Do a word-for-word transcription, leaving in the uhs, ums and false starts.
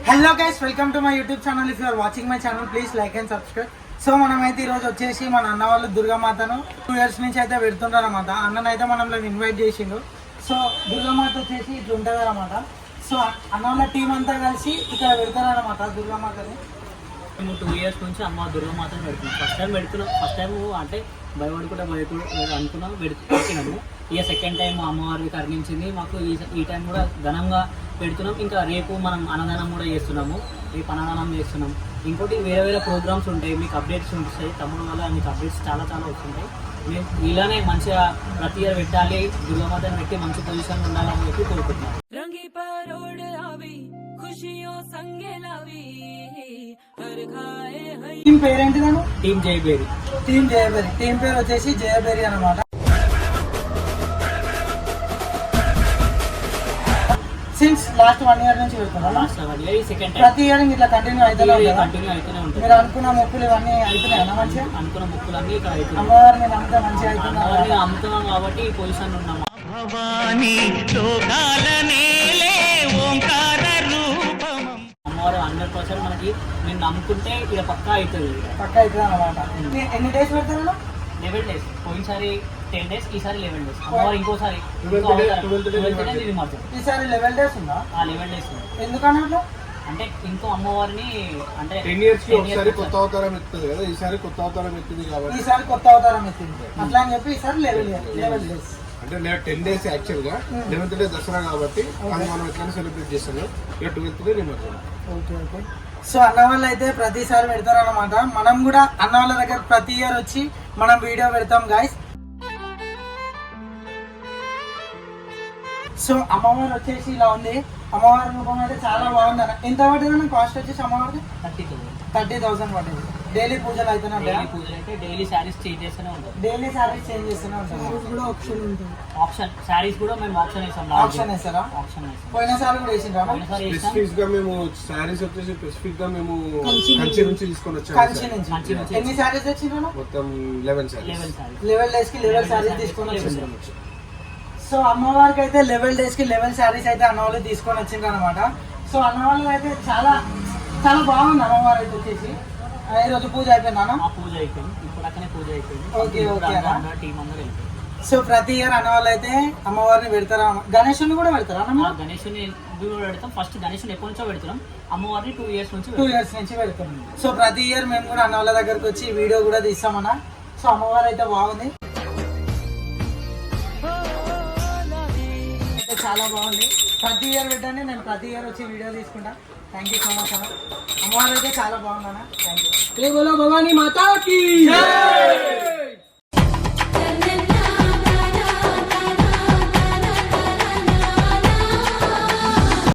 Hello guys, welcome to my YouTube channel. If you are watching my channel please like and subscribe. So మనమైతే ఈరోజు వచ్చేసి మన అన్న వాళ్ళు దుర్గామాతను టూ ఇయర్స్ నుంచి అయితే పెడుతుంటారు అనమాట. అన్ననైతే మనల్ని ఇన్వైట్ చేసిండు. సో దుర్గామాత వచ్చేసి ఇట్లా ఉంటుంది అనమాట. సో అన్న వాళ్ళ టీం అంతా కలిసి ఇక్కడ పెడతారనమాట దుర్గామాతని. మేము టూ ఇయర్స్ నుంచి అమ్మ దుర్గామాతను పెడుతున్నాం. ఫస్ట్ టైం పెడుతున్నాం ఫస్ట్ టైం అంటే భయపడుకుంటా భయపడు అనుకున్నాం పెట్టినాము. ఇక సెకండ్ టైం అమ్మవారిని కరుణించింది మాకు. ఈ ఈ టైం కూడా ఘనంగా పెడుతున్నాం. ఇంకా రేపు మనం అన్నదానం కూడా చేస్తున్నాము. రేపు అన్నదానం చేస్తున్నాం. ఇంకోటి వేరే వేరే ప్రోగ్రామ్స్ ఉంటాయి, మీకు అప్డేట్స్ ఉంటాయి. తమ్ముడు వల్ల మీకు అప్డేట్స్ చాలా చాలా వస్తుంటాయి. మేము ఇలానే మంచిగా ప్రతి ఇయర్ పెట్టాలి, దుర్గామాతను పెట్టి మంచి పొజిషన్ ఉండాలని చెప్పి కోరుకుంటున్నాం. టీం పేరేంటిదాను? Team Jayabheri. Team Jayabheri. Team పేరు వచ్చేసి జయబేరి అనమాట. సిన్స్ లాస్ట్ వన్ ఇయర్ నుంచి వెళ్తున్నా. Last one year second time ప్రతి ఇయర్ ఇట్లా కంటిన్యూ అవుతూనే కంటిన్యూ అవుతూనే ఉంటుంది. మీరు అనుకున్న మొక్కులు ఇవన్నీ అవుతున్నాయన్నా మంచిగా? అనుకున్న మొక్కులు అన్ని ఇక్కడ అవుతున్నాయి. అమ్మవారిని నమ్మితే మంచిగా అవుతున్నారు. అమ్ముతున్నాం కాబట్టి ఈ పొజిషన్ ఉన్నాము. అమ్మవారు హండ్రెడ్ పర్సెంట్ మనకి మేము నమ్ముకుంటే ఇక్కడ పక్కా అవుతుంది. పక్కా అవుతుంది అనమాట. ఎన్ని డేస్ పెడతారు? Eleven days. పోయినసారి టెన్ డేస్, ఈసారి లెవెన్ డేస్. అమ్మవారు ఇంకోసారి ఈసారి లెవెన్ డేస్ ఉందా? లెవెన్ డేస్ ఎందుకన్నా అంటే ఇంకో అమ్మవారిని అంటే టెన్ ఇయర్స్ కి ఒకసారి కొత్త అవతారం ఎత్తుంది కదా, ఈసారి కొత్త అవతారం ఎత్తుంది కాబట్టి ఈసారి కొత్త అవతారం ఎత్తింది అట్లా అని చెప్పి ఈసారి లెవెన్ లెవెన్ డేస్ అంటే టెన్ డేస్ యాక్చువల్ గా లెవెన్త్ డే దసరా కాబట్టి అది మనం ఎట్లా సెలబ్రేట్ చేస్తాము. ఇక ట్వెల్త్ డే నిమజ్జనం. Okay okay. సో అన్న వాళ్ళు అయితే ప్రతిసారి పెడతారు అనమాట. మనం కూడా అన్న వాళ్ళ దగ్గర ప్రతి ఇయర్ వచ్చి మనం వీడియో పెడతాం గైస్. సో అమ్మవారు వచ్చేసి ఇలా ఉంది. అమ్మవారి రూపం అయితే చాలా బాగుంది అన్న. ఎంత పడుతుంది కాస్ట్ వచ్చేసి అమ్మవారికి? థర్టీ థౌసండ్ థర్టీ థౌసండ్ పడుతుంది. డైలీ పూజలు అయితేనే డైలీ పూజలు అయితే డైలీ శారీస్ చేంజ్ చేస్తూనే ఉంటాం. డైలీ శారీస్ చేంజ్ చేస్తూనే ఉంటాం. కూడా ఆప్షన్ ఉంటుంది. ఆప్షన్ శారీస్ కూడా మేము ఆప్షన్ వేసాం. ఆప్షన్ వేస్తారా? ఆప్షన్ వేసాం. పోయినసారి కూడా వేసిండ్రా? స్పెసిఫిక్ గా మేము శారీస్ వచ్చేసి స్పెసిఫిక్ గా మేము కంచి నుంచి తీసుకొని వచ్చాము. కంచి నుంచి ఎన్ని శారీస్ తెచ్చిండ్రా? మొత్తం eleven saris. Eleven saris. Eleven days కి లెవెన్ శారీస్ తీసుకొని వచ్చిండ్రు. సో అమ్మవారికి అయితే లెవెన్ డేస్ కి లెవెన్ శారీస్ అయితే అన్న వాళ్ళు తీసుకొని వచ్చిండ్రు అనమాట. సో అన్న వాళ్ళు అయితే చాలా చాలా బాగుంది అమ్మవారు అయితే వచ్చేసి. ఈ రోజు పూజ అయిపోయిందా? పూజ అయిపోయింది. ఇప్పుడు అక్కనే పూజ అయిపోయింది. Okay okay. టీం అందరూ వెళ్ళిపోయింది. సో ప్రతి ఇయర్ అన్న వాళ్ళు అయితే అమ్మవారిని పెడతారా? గణేశుని కూడా పెడతారా? గణేశుని కూడా పెడతాం. ఫస్ట్ గణేశుని ఎప్పటి నుంచో పెడుతున్నాం. అమ్మవారిని టూ ఇయర్స్ నుంచి టూ ఇయర్స్ నుంచి పెడతాం. సో ప్రతి ఇయర్ మేము కూడా అన్న వాళ్ళ దగ్గరకు వచ్చి వీడియో కూడా తీస్తామన్నా. సో అమ్మవారు అయితే బాగుంది, అయితే చాలా బాగుంది. ప్రతి ఇయర్ పెట్టండి, నేను ప్రతి ఇయర్ వచ్చి వీడియో తీసుకుంటా. థ్యాంక్ యూ సో మచ్ అన్న. అమ్మవారు అయితే చాలా బాగుందన్న. Thank you. భవానీ మాతాకి